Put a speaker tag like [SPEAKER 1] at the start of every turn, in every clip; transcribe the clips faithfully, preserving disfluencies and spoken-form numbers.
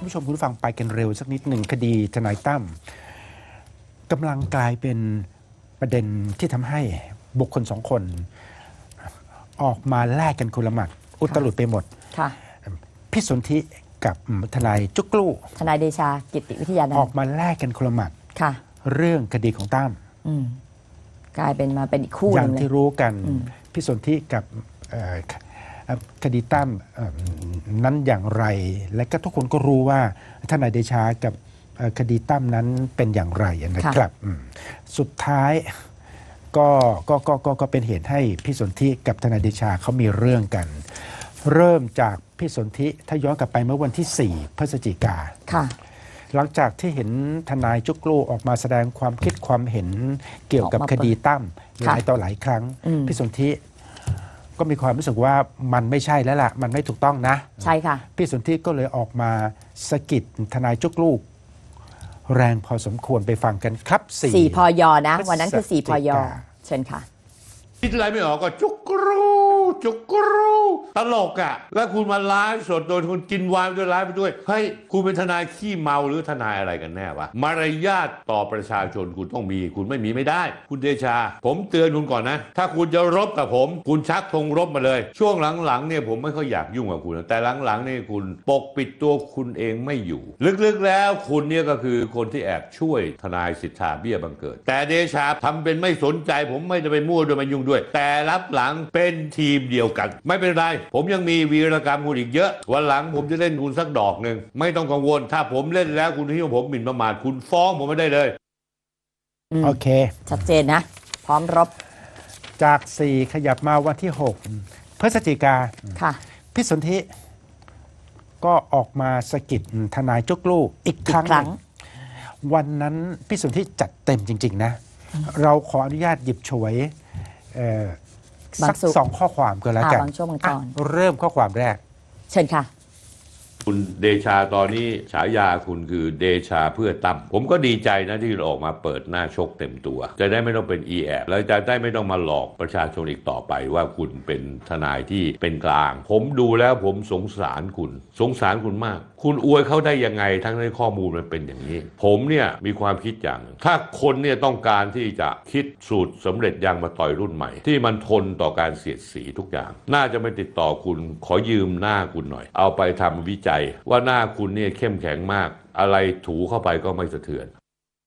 [SPEAKER 1] ผู้ชมคุณผู้ฟังไปกันเร็วสักนิดหนึ่งคดีทนายตั้มกำลังกลายเป็นประเด็นที่ทำให้บุคคลสองคน ออกมาแลกกันคนละหมัดอุตลุดไปหมดพี่สนธิกับทนายจุกลู่
[SPEAKER 2] ทนายเดชากิติวิทยานันท์
[SPEAKER 1] ออกมาแลกกันคนละหมัดเรื่องคดีของตั้ม
[SPEAKER 2] กลายเป็นมาเป็นอีกคู่
[SPEAKER 1] อย่างที่รู้กันพี่สนธิกับคดีตั้มนั้นอย่างไรและก็ทุกคนก็รู้ว่าทนายเดชากับคดีตั้มนั้นเป็นอย่างไรนะครับสุดท้ายก็ก็ก็ก็ก็เป็นเหตุให้พี่สนธิกับทนายเดชาเขามีเรื่องกันเริ่มจากพี่สนธิถ้าย้อนกลับไปเมื่อวันที่สี่พฤศจิกาหลังจากที่เห็นทนายจุกลู่ออกมาแสดงความคิดความเห็นเกี่ยวกับคดีตั้มหลายต่อหลายครั้งพี่สนธิก็มีความรู้สึกว่ามันไม่ใช่แล้วล่ะมันไม่ถูกต้องนะ
[SPEAKER 2] ใช่ค่ะ
[SPEAKER 1] พี่สนธิก็เลยออกมาสะกิดทนายจุกลู่แรงพอสมควรไปฟังกันครับ
[SPEAKER 2] สี่พยนะวันนั้นคือสี่พยเชิญค่ะ
[SPEAKER 3] คิดอะไรไม่ออกก็จุกรูจุกรูตลกอ่ะแล้วคุณมาไลฟ์สดโดยคุณกินวายด้วยไลฟ์ไปด้วยเฮ้ยคุณเป็นทนายขี้เมาหรือทนายอะไรกันแน่วะมารยาทต่อประชาชนคุณต้องมีคุณไม่มีไม่ได้คุณเดชาผมเตือนคุณก่อนนะถ้าคุณจะรบกับผมคุณชักธงรบมาเลยช่วงหลังๆเนี่ยผมไม่ค่อยอยากยุ่งกับคุณแต่หลังๆนี่คุณปกปิดตัวคุณเองไม่อยู่ลึกๆแล้วคุณเนี่ยก็คือคนที่แอบช่วยทนายสิทธาเบี้ยบังเกิดแต่เดชาทำเป็นไม่สนใจผมไม่ได้ไปมั่วด้วยมายุ่งด้วยแต่รับหลังเป็นทีมเดียวกันไม่เป็นไรผมยังมีวีรกรรมคุณอีกเยอะวันหลังผมจะเล่นคุณสักดอกหนึ่งไม่ต้องกังวลถ้าผมเล่นแล้วคุณที่ผมหมิ่นประมาทคุณฟ้องผมไม่ได้เลย
[SPEAKER 1] โอเค
[SPEAKER 2] ชัดเจนนะพร้อมรบ
[SPEAKER 1] จากสี่ขยับมาวันที่หกพฤศจิกา
[SPEAKER 2] ค่ะ
[SPEAKER 1] พี่สนธิก็ออกมาสะกิดทนายจุกลู่อีกครั้งวันนั้นพี่สนธิจัดเต็มจริงๆนะเราขออนุญาตหยิบฉวยสักสองข้อความก็แล้วกันเริ่มข้อความแรก
[SPEAKER 2] เชิญค่ะ
[SPEAKER 3] คุณเดชาตอนนี้ฉายาคุณคือเดชาเพื่อตั้มผมก็ดีใจนะที่ออกมาเปิดหน้าชกเต็มตัวจะได้ไม่ต้องเป็นอีแอบแล้วจะได้ไม่ต้องมาหลอกประชาชนอีกต่อไปว่าคุณเป็นทนายที่เป็นกลางผมดูแล้วผมสงสารคุณสงสารคุณมากคุณอวยเขาได้ยังไงทั้งในข้อมูลมันเป็นอย่างนี้ผมเนี่ยมีความคิดอย่างถ้าคนเนี่ยต้องการที่จะคิดสูตรสำเร็จยางมาต่อยรุ่นใหม่ที่มันทนต่อการเสียดสีทุกอย่างน่าจะไม่ติดต่อคุณขอยืมหน้าคุณหน่อยเอาไปทำวิจัยว่าหน้าคุณเนี่ยเข้มแข็งมากอะไรถูเข้าไปก็ไม่สะเทือน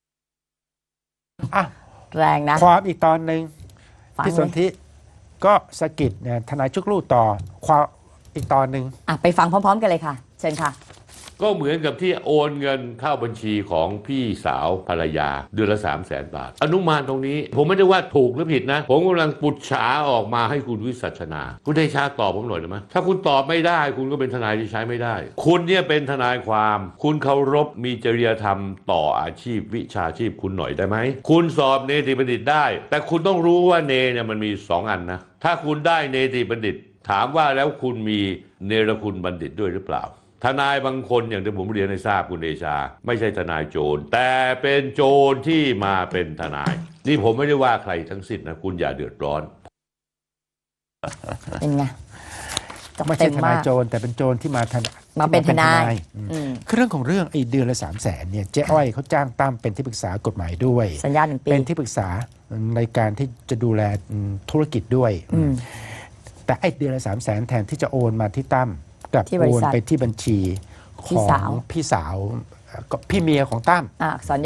[SPEAKER 1] อ่ะ
[SPEAKER 2] แรงนะ
[SPEAKER 1] ความอีกตอนหนึ่งพี่สนธิก็สะกิดทนายจุกลู่ต่อความอีกตอนหนึ่ง
[SPEAKER 2] อ่ะไปฟังพร้อมๆกันเลยค่ะเชิญค่ะ
[SPEAKER 3] ก็เหมือนกับที่โอนเงินเข้าบัญชีของพี่สาวภรรยาเดือนละสามแสนบาทอนุมานตรงนี้ผมไม่ได้ว่าถูกหรือผิดนะผมกำลังปุจฉาออกมาให้คุณวิสัชนาคุณได้ชาตอบผมหน่อยได้ไหมถ้าคุณตอบไม่ได้คุณก็เป็นทนายที่ใช้ไม่ได้คุณเนี่ยเป็นทนายความคุณเคารพมีจริยธรรมต่ออาชีพวิชาชีพคุณหน่อยได้ไหมคุณสอบเนติบัณฑิตได้แต่คุณต้องรู้ว่าเนเนี่ยมันมีสองอันนะถ้าคุณได้เนติบัณฑิตถามว่าแล้วคุณมีเนรคุณบัณฑิตด้วยหรือเปล่าทนายบางคนอย่างที่ผมเรียนให้ทราบคุณเดชาไม่ใช่ทนายโจรแต่เป็นโจรที่มาเป็นทนายนี่ผมไม่ได้ว่าใครทั้งสิ้นนะคุณอย่าเดือดร้อน
[SPEAKER 2] เป็นไง
[SPEAKER 1] ไม่ใช่ทนายโจรแต่เป็นโจรที่มา
[SPEAKER 2] มาเป็นทนาย
[SPEAKER 1] คือเรื่องของเรื่องไอ้เดือนละสามแสนเนี่ยเจ๊อ้อยเขาจ้างตั้มเป็นที่ปรึกษากฎหมายด้วย
[SPEAKER 2] สัญญาหนึ่งปี
[SPEAKER 1] เป็นที่ปรึกษาในการที่จะดูแลธุรกิจด้วยแต่ไอ้เดือนละสามแสนแทนที่จะโอนมาที่ตั้มกับโอนไปที่บัญชีของพี่สาวพี่เมียของตั้ม